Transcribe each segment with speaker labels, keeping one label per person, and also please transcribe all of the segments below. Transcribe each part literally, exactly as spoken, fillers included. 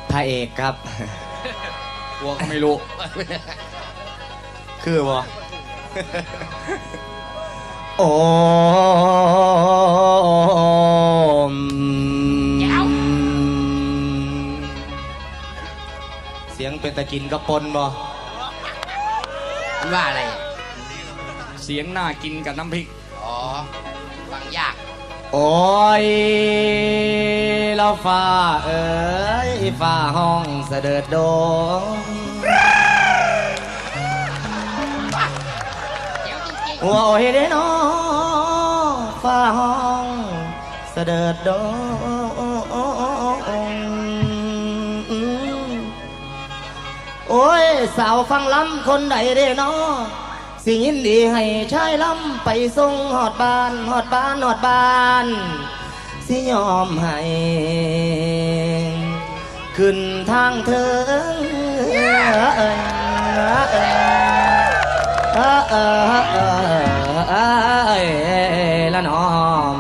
Speaker 1: พระเอกครับ
Speaker 2: กลัวก็ไม่รู้
Speaker 1: คือบ่โอ้เสียงเป็นตะกินกระปนบ่
Speaker 3: ว่าอะไร
Speaker 2: เสียงน่ากินกับน้ำพริก
Speaker 3: อ๋อฟังยาก
Speaker 1: โอ้ยเราฟ้าเอ๋ยฟ้าห้องเสด็จดงหัวโอ้ยเด้น้อฟ้าห้องเสด็จดงโอ้ยสาวฟังลำคนใดเด้น้อสิยินดีให้ชายลำไปส่งหอดบ้านหอดบ้านหอดบ้านสิยอมให้ขึ้นทางเถิงเอ้ยเอ้ยเอ้ยเอ้ยละน้อม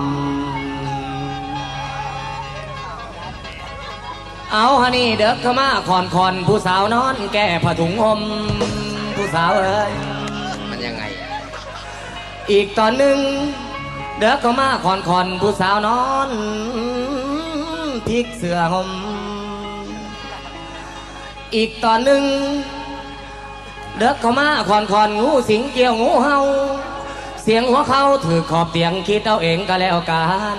Speaker 1: เอาฮะนี่เด็กเข้ามาคอนคอนผู้สาวนอนแก่ผ้าถุงห่มผู้สาวเอ้ย
Speaker 3: ยังไง
Speaker 1: อีกตอนหนึ่งเด็กเข้ามาคอนคอนผู้สาวนอนพลิกเสื้อห่มอีกตอนหนึ่งเด็กเข้ามาคอนคอนงูสิงเกี่ยวงูเห่าเสียงหัวเขาถือขอบเตียงคิดเอาเองก็แล้วกัน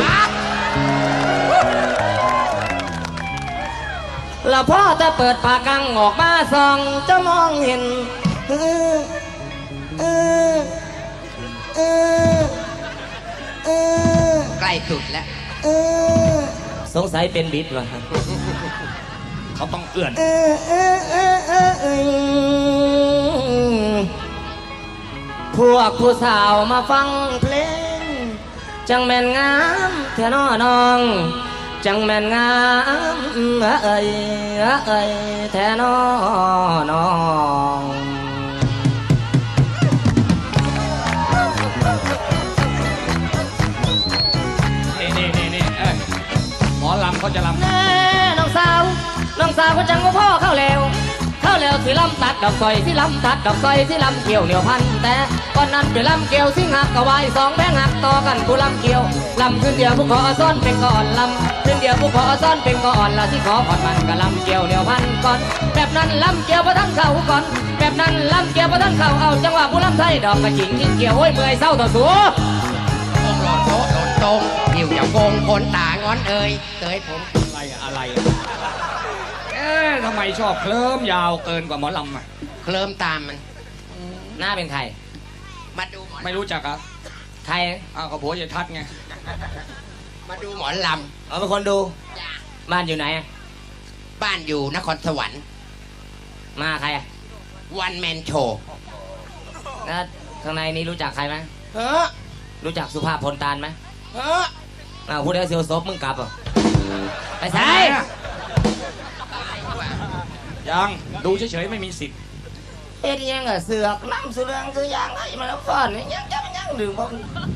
Speaker 1: แล้วพ่อจะเปิดปากกังออกมาส่องจะมองเห็นเออเออเออเออ
Speaker 3: ใกล้สุดแล้ว
Speaker 1: เออสงสัยเป็นบิดวะ
Speaker 2: เขาต้องเอื้อน
Speaker 1: เออเออเออเออเออพวกผู้สาวมาฟังเพลงจังแม่นงามแท่น้อน้องจังแม่นงามเอ้ยเอ้ยแท่น้อน้อง
Speaker 2: หมอลำเขาจะลำ
Speaker 1: แน่น้องสาวน้องสาวเขาจังว่าพ่อเข้าแล้วเข้าแล้วสิลำตัดดอกซอยสิลำตัดดอกซอยสิลำเกี่ยวเหนียวพันแต่ก่อนนั้นไปลำเกี่ยวสิหักกะวายสองแบงหักต่อกันผู้ลำเกี่ยวลำขึ้นเดียวผู้ขอซ้อนเป็นก่อนลำขึ้นเดียวผู้ขอซ้อนเป็นก่อนละสิขอผ่อนมันก็ลำเกี่ยวเหนียวพันก่อนแบบนั้นลำเกี่ยวประทันเข่าก่อนแบบนั้นลำเกี่ยวประทันเข่าเอาจังหวะผู้ลำไทยดอกกระจิงยิ่งเกี่ยวโอ้ยเมื่อยเศร้าต่อสู้
Speaker 3: โงหลอดโต๊ะหลอดตรงหิวจะโกงคนตางอนเอ่ยเตยผม
Speaker 2: อะไรอะไรเอ๊ะทำไมชอบเคลิ้มยาวเกินกว่าหมอลำอ่ะ
Speaker 3: เคลิ้มตามมัน
Speaker 1: หน้าเป็นใคร
Speaker 3: มาดู
Speaker 2: ไม่รู้จักอ่ะ
Speaker 1: ใคร
Speaker 2: อ้าวกับผัวจะทัดไง
Speaker 3: มาดูหมอลำ
Speaker 1: เอาเป็นคนดูบ้านอยู่ไหน
Speaker 3: บ้านอยู่นครสวรรค์
Speaker 1: มาใคร
Speaker 3: วันแมนโชว์
Speaker 1: แล้วข้างในนี้รู้จักใครไหม
Speaker 3: เออ
Speaker 1: รู้จักสุภาพพลตานไหม
Speaker 3: เออ
Speaker 1: อ้าวพูดได้เซียวซบมึงกลับอ่ะไปใส่
Speaker 2: ยังดูเฉยๆไม่มีสิทธิ์
Speaker 1: เฮ็ดยังอ่ะเสือกล้ำเสืองคือยังไงมาแล้วฟ้อนยังยังยังดื่มบ่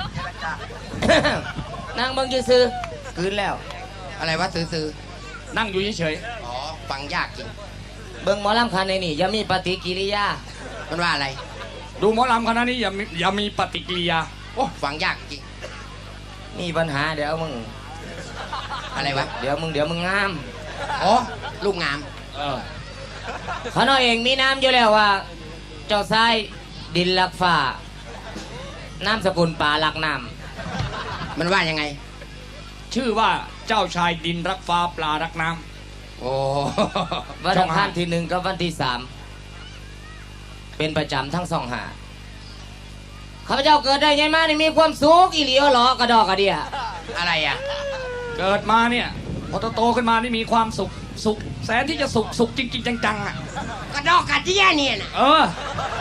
Speaker 1: นั่งเบิ่งซื่อๆคืนแล้ว
Speaker 3: อะไรวะซื่อ
Speaker 2: ๆนั่งอยู่เฉย
Speaker 3: ๆอ๋อฟังยากจริง
Speaker 1: เบิ่งหมอลำคันในนี่อย่ามีปฏิกิริยา
Speaker 3: มันว่าอะไร
Speaker 2: ดูหมอลำคณะนี้อย่ามีอย่ามีปฏิกิริยา
Speaker 3: โอ้ฟังยากจริง
Speaker 1: มีปัญหาเดี๋ยวมึง
Speaker 3: อะไรวะ
Speaker 1: เดี๋ยวมึงเดี๋ยวมึงงาม
Speaker 3: อ๋อลูกงาม
Speaker 2: เออ
Speaker 1: เขาน้อยเองมีน้ำอยู่แล้วว่าเจ้าชายดินลักฟ้าน้ำสกุลป่าลักน้
Speaker 3: ำมันว่ายังไง
Speaker 2: ชื่อว่าเจ้าชายดินรักฟ้าปลารักน้
Speaker 3: ำโอ้
Speaker 1: วันอังคารที่หนึ่งกับวันที่สามเป็นประจำทั้งสองหาข้าพเจ้าเกิดได้ไงมานี่มีความสุขอีหลีอ๋อหรอกระดอกกระเดีย
Speaker 3: อะไรอ่ะ
Speaker 2: เกิดมาเนี่ยพอโตขึ้นมานี่มีความสุขสุขแสนที่จะสุขสุขจริงๆจังๆอ่ะ
Speaker 3: กระดอกกระเดียเนี่ยนะ
Speaker 2: เออ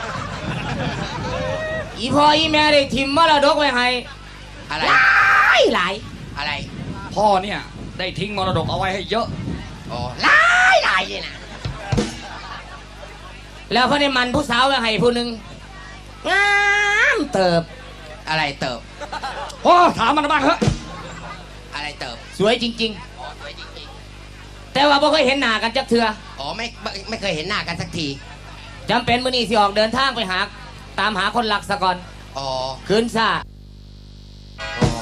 Speaker 1: อีพ่ออีแม่ได้ทิมมรดกไว้ให้
Speaker 3: อะไร
Speaker 1: หลายหลาย
Speaker 3: อะไร
Speaker 2: พ่อเนี่ยได้ทิ้งมรดกเอาไว้ให้เยอะ
Speaker 3: อ๋อหลายหลายเลยนะ
Speaker 1: แล้วพอได้มันผู้สาวไว้ให้ผู้หนึ่งงามเติบ
Speaker 3: อะไรเติบ
Speaker 2: โอ้ถามมันบ้างเถอะ
Speaker 3: อะไรเติบ
Speaker 1: สวยจริงๆ
Speaker 3: สวยจริงๆ
Speaker 1: แต่ว่าบ่เคยเห็นหน้ากันจักเทื่อ
Speaker 3: อ๋อไม่ไม่ไม่เคยเห็นหน้ากันสักที
Speaker 1: จำเป็นมื้อนี้สิออกเดินทางไปหาตามหาคนหลักซะก่อน
Speaker 3: อ๋อ
Speaker 1: คืนซ่า
Speaker 3: อ๋อ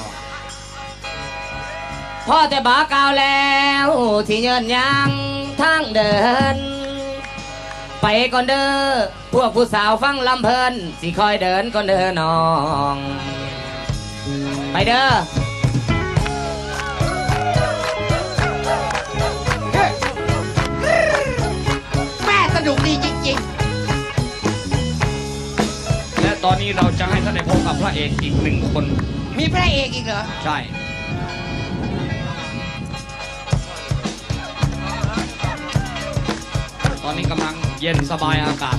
Speaker 1: พ่อแต่บากล่าวแล้วที่เยินยังทางเดิน ไปก่อนเด้อพวกผู้สาวฟังลำเพลินสิคอยเดินก่อนเด้อน้อง ไปเด้อ
Speaker 3: แม่สนุกดีจริง
Speaker 2: และตอนนี้เราจะให้ท่านได้พบกับพระเอกอีกหนึ่งคน
Speaker 3: ๆ มีพระเอกอีกเหรอ
Speaker 2: ใช่ ตอนนี้กำลังเย็นสบายอากาศ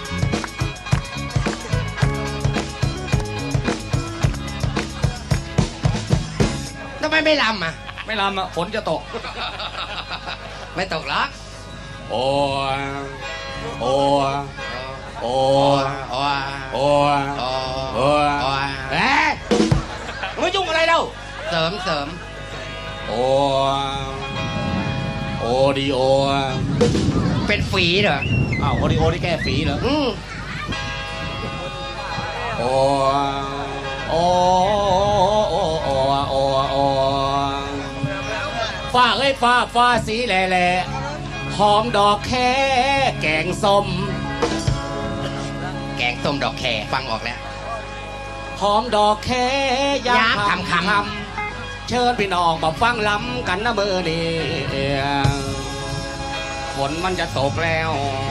Speaker 3: ทำไมไม่ลำอ่ะ
Speaker 2: ไม่ลำอ่ะฝนจะตก
Speaker 3: ไม่ตกหรอก
Speaker 2: โอ้ยโอ้ยโอ้
Speaker 3: โอ้
Speaker 2: ย
Speaker 3: โอ้
Speaker 2: โอ้ย
Speaker 3: โอ้
Speaker 2: โอ้ย
Speaker 3: โอ้
Speaker 2: เอ๊ะไม่ยุ่งอะไรเล่า
Speaker 3: เสริมเสริม
Speaker 2: โอ้ยโอดีโอ
Speaker 3: เป็นฝีเหรอ
Speaker 2: อ้าวโอดีโอที่แก้ฝีเหรอ
Speaker 3: อืม
Speaker 2: โอ้โอ้โอ้โอ้โอ้โอ้ฟ้าเอ้ยฟ้าฟ้าสีแหล่แหล่หอมดอกแค่แกงส้ม
Speaker 3: แกงส้มดอกแคฟังออกแล้ว
Speaker 2: หอมดอกแค่ยาม
Speaker 3: ยาม
Speaker 2: คำ
Speaker 3: คำ
Speaker 2: คำเชิญพี่น้องมาฟังล้ำกันนะเบอร์นี้ฝนมันจะตกแล้ว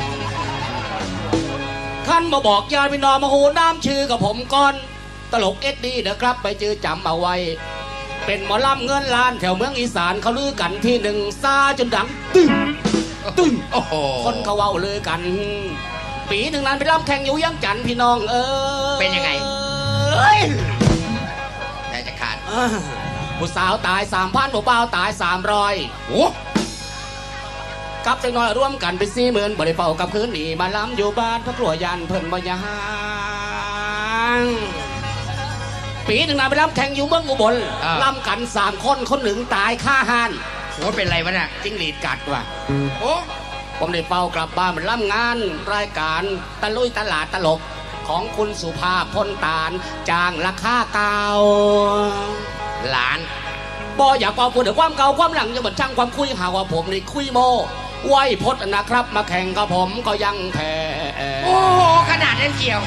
Speaker 2: ขั้นมาบอกญาติพี่น้องมาหูน้ำชื่อกับผมก่อน ตลกเอ็ดดีเด้อครับไปจื้อจำเอาไว้ เป็นหมอลำเงินล้านแถวเมืองอีสานเขาลือกันที่หนึ่งซาจนดังตึ้งตึ้ง
Speaker 3: โอ้โห
Speaker 2: คนเขาเว้าลือกัน ปีหนึ่งนั้นไปลำแข่งอยู่ยังจันทน์พี่น้องเออ
Speaker 3: เป็นยังไง
Speaker 2: เอ้ย
Speaker 3: ใจจะขาด
Speaker 2: อ่าผู้สาวตายสามพันผู้บ่าวตายสามร้อย
Speaker 3: โอ้
Speaker 2: กับจังน้อยร่วมกันเป็นสี่หมื่นบริเฝ้ากับคืนนี้มาล้ำอยู่บ้านพระกลัวยันเพิ่นบ่ยางปีหนึ่งนั้นไปล้ำแข่งอยู่เมืองอุบลล้ำกันสามคนคนหนึ่งตายฆ่าหัน
Speaker 3: โหเป็นไรวะน่ะ
Speaker 2: จิ้งหรีดกัดว่ะ
Speaker 3: โอ้
Speaker 2: ผมได้เฝ้ากลับบ้านมันล่ำงานรายการตะลุยตลาดตลกของคุณสุภาพพลตาลจางราคาเก่า
Speaker 3: หลาน
Speaker 2: บออยากเอาพูดถึงความเก่าความหลังจะเหมือนช่างความคุยหาว่าผมนี่คุยโมไว้พดนะครับ มาแข่งกับผมก็ยังแพ้
Speaker 3: โอ้โหขนาดนั้นเกี่ยว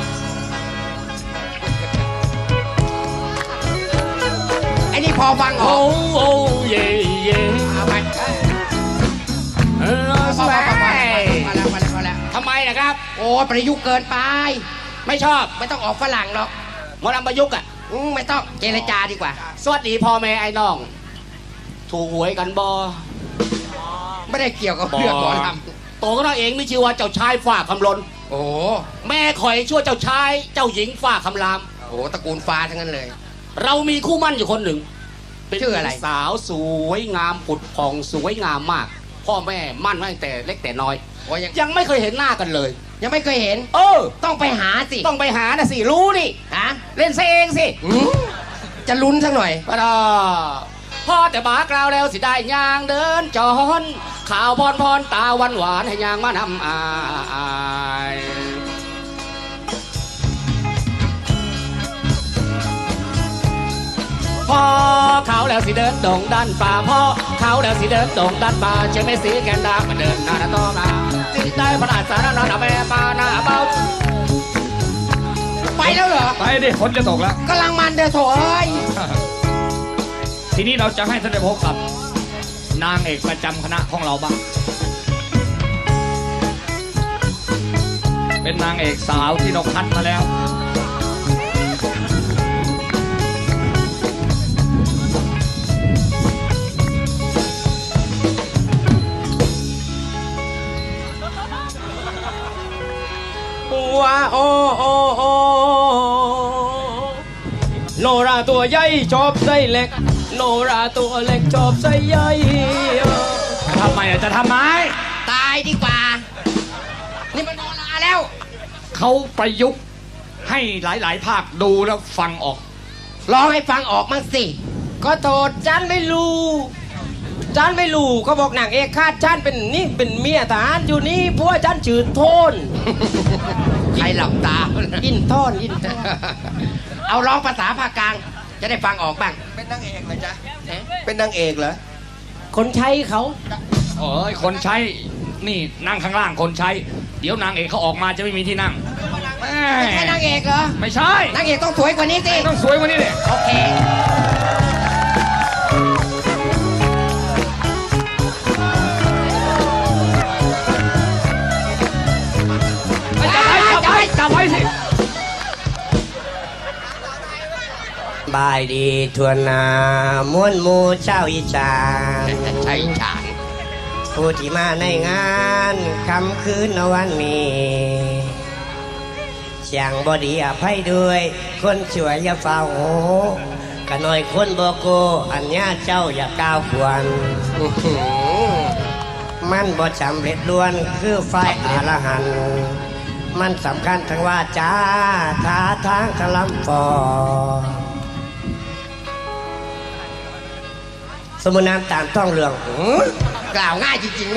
Speaker 3: ไอ้นี่พอฟังอ
Speaker 2: โอ้
Speaker 3: อก
Speaker 2: โอ้เย่เย่
Speaker 3: เอาไป
Speaker 2: เออ
Speaker 3: พอ
Speaker 2: แส
Speaker 3: พอพอพอพอแล้วพอแล้วพอแล้ว
Speaker 2: ทำไมนะครับ
Speaker 3: โอ้ประยุกต์เกินไป
Speaker 2: ไม่ชอบ
Speaker 3: ไม่ต้องออกฝรั่งหรอก
Speaker 2: หมอลำประยุกต์อ่ะ
Speaker 3: อืมไม่ต้องเจรจาดีกว่า
Speaker 2: สวัสดีพ่อแม่ไอ้น้อง ถูกหวยกันบอ
Speaker 3: ไม่ได้เกี่ยวกับเรื่องหมอล
Speaker 2: โตก็น้อยเองมีชื่อว่าเจ้าชายฝ่าคำลน
Speaker 3: ำโอ้
Speaker 2: แม่คอยชั่วเจ้าชายเจ้าหญิงฝ่าคำราม
Speaker 3: โหตระกูลฟ้าทั้งนั้นเลย
Speaker 2: เรามีคู่มั่นอยู่คนหนึ่งเป็น
Speaker 3: ชื่ออะไร
Speaker 2: สาวสวยงามผุดผ่องสวยงามมาก พ่อแม่มั่นไว้ตั้งแต่เล็กแต่น้อย
Speaker 3: โอ้ยัง
Speaker 2: ยังไม่เคยเห็นหน้ากันเลย
Speaker 3: ยังไม่เคยเห็น
Speaker 2: เออ
Speaker 3: ต้องไปหาสิ
Speaker 2: ต้องไปหานะสิรู้นี่
Speaker 3: ฮะ
Speaker 2: เล่นซะเองสิ
Speaker 3: อืมจะลุ้นสักหน่อย
Speaker 2: ปะดอพ่อแต่บากล่าวแล้วสิได้ยางเดินจอนข่าวพรพรตาหวานหวานให้ยางมานำอายพ่อเขาแล้วสิเดินดงด้านป่าพ่อเขาแล้วสิเดินดงด้านป่าเชื่อไม่สีแกนดามาเดินหน้าหน้าต่อมาสิได้พระราชสารนาหน้าแม่ปาหน้าเบา
Speaker 3: ไปแล้วเหรอ
Speaker 2: ไปดิฝนจะตกแล้ว
Speaker 3: กำลังมันเด้อโถเอ้ย
Speaker 2: ทีนี้เราจะให้ท่านได้พบกับนางเอกประจำคณะของเราบ้าง เป็นนางเอกสาวที่เราคัดมาแล้ว
Speaker 4: ว้าโอโอโอโนราตัวใหญ่ชอบไส้เล็ก โนราตัวเล็กชอบไส้ใหญ่
Speaker 2: ทำไมอ่ะจะทำไม
Speaker 3: ตายดีกว่า นี่มันโนราแล้ว
Speaker 2: เขาประยุกต์ให้หลาย ๆ ภาคดูแล้วฟังออก
Speaker 3: ร้องให้ฟังออกมั่งสิ
Speaker 4: ก็โทษจันไม่รู้จันไม่รู้เขาบอกนางเอกคาดจันเป็นนี่เป็นเมียทหารอยู่นี่ผัวจันชื่อโทน
Speaker 3: ใครหลับตา
Speaker 4: อินโทนอินโทน
Speaker 3: เอาร้องภาษาภาคกลาง จะได้ฟังออกบ้าง
Speaker 5: เป็นนางเอกเหรอจ๊ะเป็นนางเอกเหรอ
Speaker 4: คนใช้เขา
Speaker 6: โอ้ยคนใช้นี่นั่งข้างล่างคนใช้ เดี๋ยวนางเอกเขาออกมาจะไม่มีที่นั่งแม่
Speaker 3: ไม่ใช่นางเอกเหรอ
Speaker 6: ไม่ใช่
Speaker 3: นางเอกต้องสวยกว่านี้สิ
Speaker 6: ต้องสวยกว่านี้เลย
Speaker 3: โอเค
Speaker 6: จับไว้จับไว้จับไว้สิ
Speaker 5: บายดีทวนนามวนหมูเจ้าอีจาน
Speaker 3: ใช่ฉาน
Speaker 5: ผู้ที่มาในงานคำคืนวันนี้เสียงบอดีอภัยด้วย คนสวยอย่าเฝ้าโหกะหน่อยคนบโกอันญาเจ้าอย่าก้าวขวนอื้อหือมันบ่สำเร็จล้วนคือไฟอรหันต์มันสำคัญทั้งว่าจ้าท่าทางทะลำฟอ สมุนน้ำตามท้องเรืองหือก
Speaker 3: ล่าวง่ายจริงๆเลย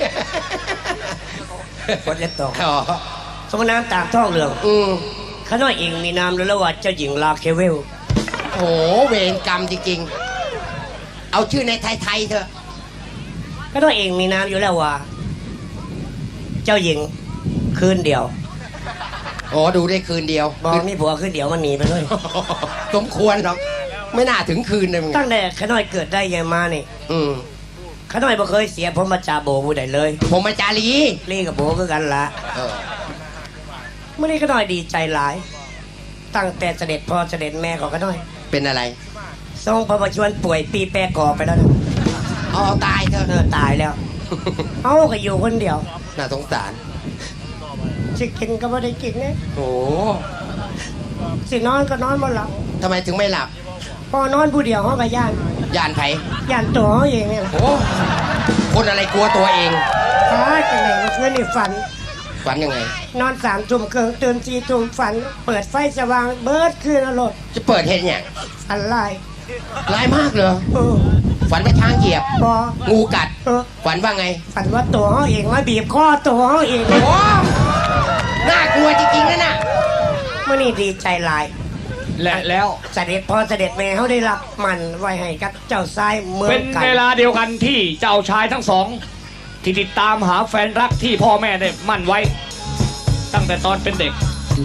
Speaker 5: กดเล็บตก
Speaker 3: อ๋อ
Speaker 5: สมุนน้ำตามท้องเรือง
Speaker 3: อืม
Speaker 5: ข้าน้อยเองมีนามแล้วว่าเจ้าหญิงลาเคเวล
Speaker 3: โหเวรกรรมจริงๆ เอาชื่อในไทยๆเถอะ
Speaker 5: ข้าน้อยเองมีนามอยู่แล้วว่า เจ้าหญิงคืนเดียว
Speaker 3: อ๋อดูได้คืนเดียว
Speaker 5: บอกมีผัวคืนเดียวมันหนีไปเลย
Speaker 3: สมควรหรอกไม่น่าถึงคืนเลยมึง
Speaker 5: ตั้งแต่ข้าน้อยเกิดได้ยังมานี่
Speaker 3: อืม
Speaker 5: ข้าน้อยบ่เคยเสียผมมาจาโบผู้ใดเลย
Speaker 3: ผมมาจารี
Speaker 5: ลี่กับโบคือกันละ
Speaker 3: เออ
Speaker 5: เมื่อนี้ข้าน้อยดีใจหลาย ตั้งแต่เสด็จพ่อเสด็จแม่ของข้าน้อย
Speaker 3: เป็นอะไร
Speaker 5: ทรงพระประชวรป่วยปีแปรกอไปแล้วนะ
Speaker 3: อ๋อตายเถอะ
Speaker 5: เออตายแล้ว เอาก็อยู่คนเดียว
Speaker 3: น่าสงสาร
Speaker 5: สิกินก็ไม่ได้กินเนี่ย
Speaker 3: โอ้
Speaker 5: สินอนก็นอนบ่หลับ
Speaker 3: ทำไมถึงไม่หลับ
Speaker 5: พอนอนผู้เดียวเขาก็ย่าน
Speaker 3: ยานไผ
Speaker 5: ย่านตัวเขาเองเนี่ยแหละ
Speaker 3: โอ้คนอะไรกลัวตัวเอง
Speaker 5: ตายจังไหนเมื่อคืนนี่ฝัน
Speaker 3: ฝันยังไง
Speaker 5: นอนสามทุ่มเกินตื่นสี่ทุ่มฝัน เปิดไฟสว่างเบิดคืนอรรถ
Speaker 3: จะเปิดเห็นอย่าง
Speaker 5: ฝันลาย
Speaker 3: ร้ายมากเหรอ
Speaker 5: เออ
Speaker 3: ฝันว่าช้างเหยียบ
Speaker 5: บอ
Speaker 3: งูกัด
Speaker 5: เออ
Speaker 3: ฝันว่าไง
Speaker 5: ฝันว่าตัวเขาเองมาบีบคอตัวเขาเอง
Speaker 3: โอ้น่ากลัวจริงๆนะน่ะ
Speaker 5: เมื่อนี่ดีใจหลาย
Speaker 6: และแล้ว
Speaker 5: เสด็จพ่อเสด็จแม่เขาได้รับมันไว้ให้กับเจ้าชายเมือ
Speaker 6: เป็
Speaker 5: ง
Speaker 6: น
Speaker 5: กัน
Speaker 6: เวลาเดียวกันที่เจ้าชายทั้งสอง ที่ติดตามหาแฟนรักที่พ่อแม่ได้มั่นไว้ ตั้งแต่ตอนเป็นเด็ก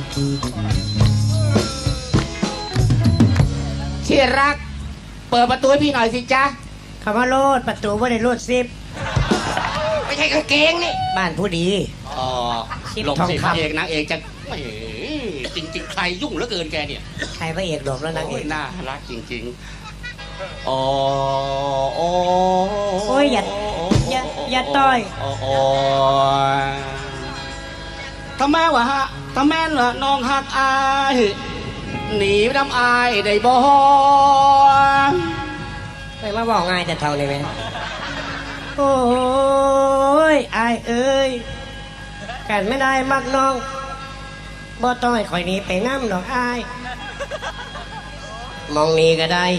Speaker 2: ที่รัก เปิดประตูให้พี่หน่อยสิจ๊ะ
Speaker 5: คำว่าโลดประตูว่าได้โลดซิบ
Speaker 3: ไม่ใช่กางเกงนี่
Speaker 5: บ้านผู้ดี
Speaker 2: อ๋อ
Speaker 5: สิบ
Speaker 2: หลบ
Speaker 5: ทอง
Speaker 2: สิ
Speaker 5: คำ
Speaker 2: เอกนางเอกจะแหมจริงๆ ใครยุ่งเหลือเกินแกเนี่ย
Speaker 5: ใครพระเอกหลบแล้วนางเอ
Speaker 2: โอ้ย
Speaker 5: ก
Speaker 2: น่ารักจริงๆอ๋อโอ้
Speaker 5: โอ้ยอย่าอย่าอย่าต่อย
Speaker 2: โโอ้ยทำไมวะฮะทำไมล่ะน้องหักอายหนีน้ำอายได้บ่
Speaker 5: ไม่มาบอกง่ายแต่เท่านี้ไหมโอ้ยอายเอ้ยกันไม่ได้มักน้องบ่ต้องให้คอยหนี้ไปน้ำดอกอาย มองนี้ก็ได้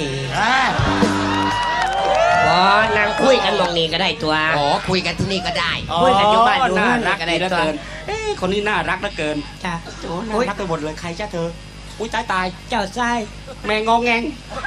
Speaker 5: บอนางคุยกันมองนี้ก็ได้ตัว
Speaker 3: อ๋อคุยกันที่นี่ก็ได้
Speaker 5: คุยกันอยู่บ้านอยู่
Speaker 2: น่า
Speaker 5: ห้าง
Speaker 2: รัก
Speaker 5: ก็ได้
Speaker 2: ดีเหลือ
Speaker 5: ตัว
Speaker 2: เกินเอ้ยคนนี้น่ารักเหลือเกิน
Speaker 5: จ้ะ
Speaker 2: โอ้น่ารักไปหมดเลยใครจ้าเธอ อุ้ยตายตาย
Speaker 5: เจ้าชาย
Speaker 2: แม่งองแงง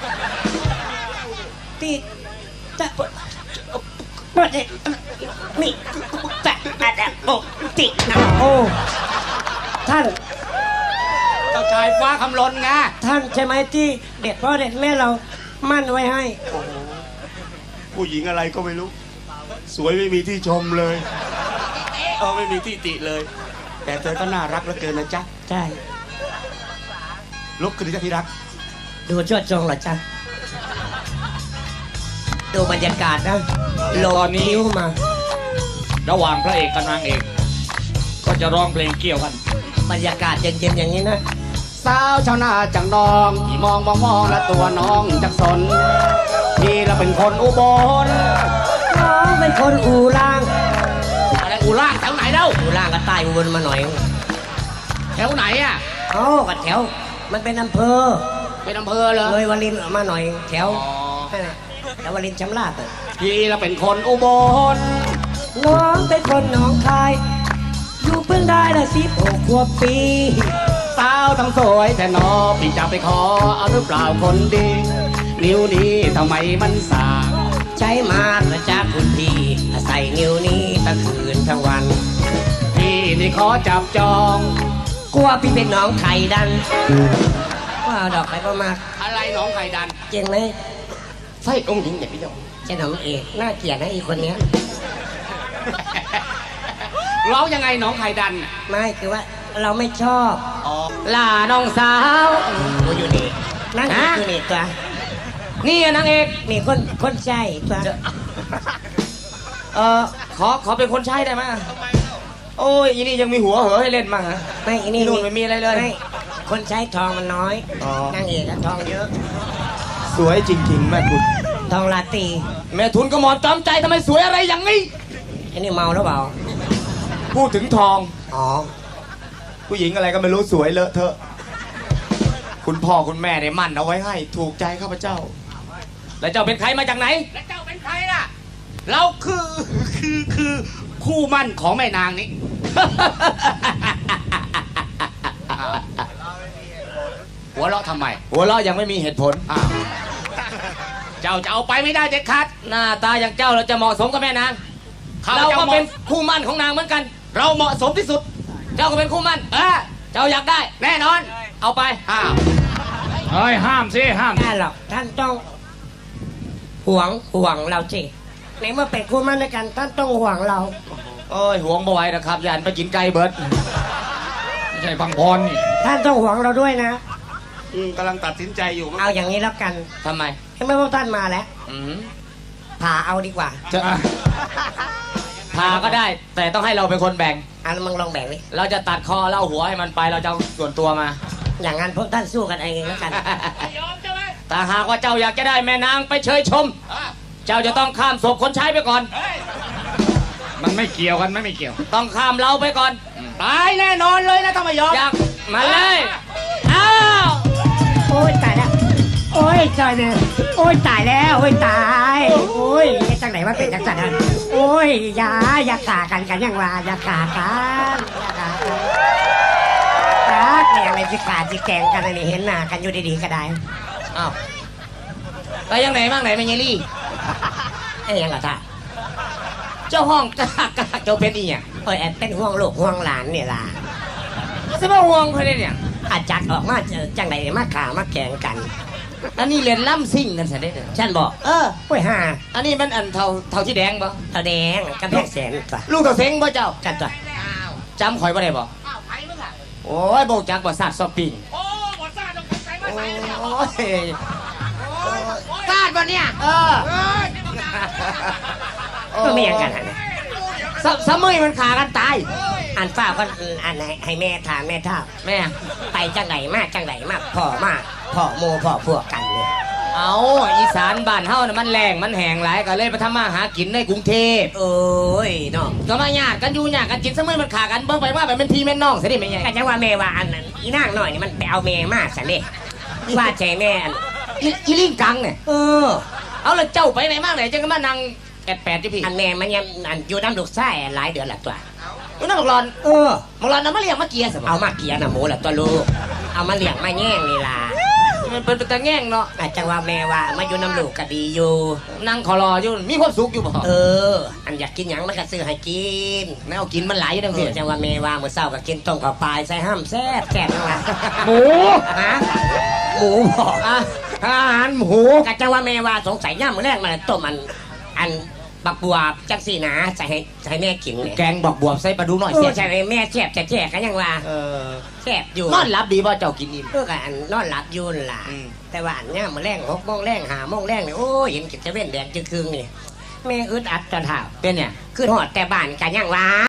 Speaker 5: ที่จะปวดเลยมีแต่แต่โอ้ตินะโอ้ท่าน
Speaker 2: เจ้าชายฟ้าคำลนไง
Speaker 5: ท่านใช่ไหมที่เด็ดพ่อเด็ดแม่เรามั่นไว้ให้
Speaker 2: ผู้หญิงอะไรก็ไม่รู้ สวยไม่มีที่ชมเลยเออไม่มีที่ติเลย แต่เธอก็น่ารักเหลือเกินนะจ๊ะ
Speaker 5: ใช่
Speaker 2: ลุกขึ้นดิจ้ะที่รัก
Speaker 5: ดูชวดจงเหรอจ๊ะดูบรรยากาศนะโล
Speaker 6: ตอนนี้
Speaker 5: คิ้วมา
Speaker 6: ระหว่างพระเอกกับนางเอก ก็จะร้องเพลงเกี่ยวกัน
Speaker 5: บรรยากาศเย็นๆอย่างนี้นะ
Speaker 2: สาวชาวนาจังนองที่มองมองมองและตัวน้องจักสนพี่เราเป็นคนอุบล
Speaker 5: น้องเป็นคนอู่ล่าง
Speaker 2: อะไรอูล่างแถวไหนเล่า
Speaker 5: อู่ล่างก็ใต้อุบลมาหน่อย
Speaker 2: แถวไหนอ่ะ
Speaker 5: เอ้ากับแถว มันเป็นอำเภอ
Speaker 2: เป็นอำเภอเหรอ
Speaker 5: เลยวารินออกมาหน่อยแถว
Speaker 2: อ๋อ
Speaker 5: นั่นแหละแล้ววารินชำราบอะ
Speaker 2: พี่เราเป็นคนอุบล
Speaker 5: น้องเป็นคนหนองคาย อยู่เพิ่งได้ละสิบหกขวบปี
Speaker 2: สาวทั้งสวยแต่นอพี่จะไปขอเอาหรือเปล่าคนดี นิ้วนี้ทำไมมันสาก
Speaker 5: ใช้มาประจากคุณพี่อาศัยนิ้วนี้ทั้งคืนทั้งวัน
Speaker 2: พี่นี่ขอจับจอง
Speaker 5: กลัวพี่เป็นน้องไข่ดัน ว่าเอาดอกไปประมาณ
Speaker 2: อะไรหนองไข่ดัน
Speaker 5: เจงไหม
Speaker 2: ไส้องค์หญิงเนี่ยพี่เจ้า
Speaker 5: เจ้าน้องเอกน่าเกลียดนะอีคนเนี้ย
Speaker 2: ร้องยังไงหนองไข่ดัน
Speaker 5: ไม่คือว่าเราไม่ชอบ
Speaker 2: อ๋อ
Speaker 1: ล่าน้องสาว
Speaker 5: กูอยู่นี่นั่งอยู่นี่ตัว
Speaker 1: นี่นางเอก
Speaker 5: นี่คนคนใช่ตัว
Speaker 1: เออขอขอเป็นคนใช้ได้ไหมโอ้ยอีนี่ยังมีหัวเหอให้เล่นมั่งฮะ
Speaker 5: ไม่อันนี้
Speaker 1: นู่นไม่มีอะไรเลย
Speaker 5: ม่คนใช้ทองมันน้อย
Speaker 1: อ๋อ
Speaker 5: นางเอกอะทองเยอะ
Speaker 6: สวยจริงๆแม่คุณ
Speaker 5: ทองลาตรี
Speaker 1: แม่ทุนก็หมอนจอมใจทำไมสวยอะไรอย่างนี้
Speaker 5: อันนี้เมาแล้วเปล่า
Speaker 6: พูดถึงทอง
Speaker 5: อ๋อ
Speaker 6: ผู้หญิงอะไรก็ไม่รู้สวยเลอะเทอะ คุณพ่อคุณแม่เนี่ยมั่นเอาไว้ให้ถูกใจข้าพเจ้า
Speaker 1: แล้วเจ้าเป็นใครมาจากไหน
Speaker 2: แล้วเจ้าเป็นใครล่ะ เราคือคือคือคู่มั่นของแม่นางนี้ หัวเราะทำไม
Speaker 1: หัวเราะยังไม่มีเหตุผล
Speaker 2: อ้าวเจ้าจะเอาไปไม่ได้เด็ดขาด
Speaker 1: หน้าตาอย่างเจ้าเราจะเหมาะสมกับแม่นาง
Speaker 2: ข้าพ
Speaker 1: เรา
Speaker 2: เจ้า
Speaker 1: ก็
Speaker 2: เหมาะ
Speaker 1: เป็นคู่มั่นของนางเหมือนกัน
Speaker 2: เราเหมาะสมที่สุด
Speaker 1: เจ้าก็เป็นคู่มั่น
Speaker 2: เออ
Speaker 1: เจ้าอยากได้
Speaker 2: แน่นอน
Speaker 1: เอาไป
Speaker 2: อ้าว
Speaker 6: เฮ้ย ห้ามสิ ห้าม
Speaker 5: ได้หรอกท่านต้องห่วงห่วงเราสิในเมื่อเป็นคู่มั่นด้วยกันท่านต้องห่วงเรา
Speaker 1: โอ้ยห่วงบ่ไหวนะครับยันไปกินไก่เบิร์ด
Speaker 6: ไม่ใช่ฟังพรนี่
Speaker 5: ท่านต้องห่วงเราด้วยนะ
Speaker 2: อืมกำลังตัดสินใจอยู่
Speaker 5: เอาอย่างนี้แล้วกัน
Speaker 1: ทำไม
Speaker 5: ให้เมื่อพวกท่านมาแล้ว
Speaker 1: อืม
Speaker 5: ผ่าเอาดีกว่า
Speaker 1: จะพาก็ได้ แต่ต้องให้เราเป็นคนแบ่ง
Speaker 5: อันมึงลองแบ่งดิ
Speaker 1: เราจะตัดคอเล่าหัวให้มันไปเราจะเอาส่วนตัวมา
Speaker 5: อย่างนั้นพวกท่านสู้กันเองแล้วกัน
Speaker 1: แต่หากว่าเจ้าอยากจะได้แม่นางไปเชยชม เจ้าจะต้องข้ามศพคนใช้ไปก่อน
Speaker 6: มันไม่เกี่ยวกันไม่ไม่เกี่ยว
Speaker 1: ต้องข้ามเราไปก่อน
Speaker 2: ตายแน่นอนเลยนะถ้าไม่ยอม
Speaker 1: อยากมาเลยอ้าว
Speaker 5: โอ้ยตายแล้ว โอ้ยจอยเนี่ยโอ้ยตายแล้ว โอ้ยตาย โอ้ยจังไหนว่าเป็นจังสันนั่นโอ้ยอย่าอย่าขากันกันยังว่าอย่าขากันอย่าขากันรักเนี่ยอะไรสิขาดสิแกงกันอันนี้เห็นหน้ากันอยู่ดีๆก็ได้
Speaker 1: อ้าวไปยังไหนบ้างไหนแม่ยายลี่
Speaker 5: ไอ้ยังเหรอท่า
Speaker 1: เจ้าห้องกะกะเจ้าเป็นอีหยัง
Speaker 5: โอ้ยแอบเป็นห่วงลูกห่วงหลานเนี่ยล่ะ
Speaker 1: สมาห่วงเพื่อนเนี่ย
Speaker 5: อาจัดออกมาเจอจังไหนมาขามาแกงกัน
Speaker 1: อันนี้เรียนล่ำซิ่งกันซะได้เด้อ
Speaker 5: ฉันบอก
Speaker 1: เออ
Speaker 5: โอ้ยห่า
Speaker 1: อันนี้มันอันเท่าเท่าที่แดงปะ
Speaker 5: ตาแดงกำแพงแสนตัว
Speaker 1: ลูกเท่าเซ็งป่ะเจ้า
Speaker 5: กันตัว
Speaker 1: จำข่อยบ่ได้บ่
Speaker 2: อ้าวใครมึงอ่ะ
Speaker 1: โอ้ยโบกจักบ่ซาดซอปปิ้ง
Speaker 2: โอ้หมดซ่าต้องใส่มา
Speaker 1: โอ้
Speaker 2: ใส่เลย
Speaker 1: ย
Speaker 2: กาดบ่เนี่ย
Speaker 1: เออ
Speaker 5: ก็ไม่ยังกันฮะเนี่ย
Speaker 1: สสมัยมันขากันตาย
Speaker 5: อันฝ้าก็อันให้ให้แม่ถามแม่ท่า
Speaker 1: แม่
Speaker 5: ไปจังไหนมาจังไหนมาพ่อมาพ่อโมพ่อพวกกันเนี่ย
Speaker 1: เอาอีสานบ้านเฮาน่ะมันแรงมันแห้งหลายก็เลยไปทำมาหากินในกรุงเทพ
Speaker 5: โอ้ยเนาะ
Speaker 1: ก็มาญาติกันอยู่ญาติกันกินสมัยมันขากันเบิ่งไปว่าไปเป็นพี่แม่น้องซะดิแม่ใหญ่
Speaker 5: ก็จะว่าแม่ว่าอันนั้นอีนางหน่อยนี่มันไปเอาแม่มาสันเด้ว่าใจแม่อัน
Speaker 1: อีอีลิงกังเนี่ย
Speaker 5: เออ
Speaker 1: เอาแล้วเจ้าไปไหนมาไหนจังก็มานั่งแอดแปดอยู่พี่
Speaker 5: อันแม่มันยังอันอยู่น้ำลูกไส้หลายเดือนละตัว
Speaker 1: อยู่นั่นบักรอน
Speaker 5: เออ
Speaker 1: บักรอนน่ะมาเลี้ยงมาเกียสม
Speaker 5: เอามาเกียร์น่ะหมูละตัวลูกเอามาเลี้ยงมาแย่งนี่ล่ะ
Speaker 1: มันเป็นตะแง่งเนาะ
Speaker 5: อาจจะว่าแม่ว่ามาอยู่น้ำลูกก็ดีอยู่
Speaker 1: นั่งขอรออยู่มีความสุขอยู่บ่
Speaker 5: เออ อันอยากกินหยังมันก็ซื้อให้กิน
Speaker 1: แนวกินมันหลายอยู่
Speaker 5: เอ
Speaker 1: ทั้งสิ้
Speaker 5: อน จังว่าเมว่าเมื่อเช้าก็กินต้มข้าวปลายใส่ห้ำแซ่บแซ่บนั่นล่ะ
Speaker 6: หมู
Speaker 5: ฮะหมูบอก
Speaker 1: อ่ะอาหารหมู
Speaker 5: กะจังว่าเมว่าสงสัยย่ามมื้อแรกมันต้มอันอันบักบัวจังสี่นะใส่ให้ใส่แม่กินเนี่ย
Speaker 1: แกงบอกบวบใส่ปลาดูหน่อย
Speaker 5: โอ้
Speaker 1: เสีย
Speaker 5: ใช่ไหมแม่แซ่บแซ่บกันยังว่า
Speaker 1: เออ
Speaker 5: แซ่บอยู่
Speaker 1: นอนหลับดีบ่เจ้ากินอิ่ม
Speaker 5: เพื่อกันอันนอนหลับอยุ่นนล่ะ
Speaker 1: อืม
Speaker 5: แต่ว่าอันเนี้ยมื้อแรงหกโมงแรงหาโมงแรงเนี่ยโอ้ยเห็นกิจเว้นแดงจึงคืงนี่แม่อึดอัดจนเท้า
Speaker 1: เป็นเนี่ย
Speaker 5: คือหอดแต่บ้านกันยังว่า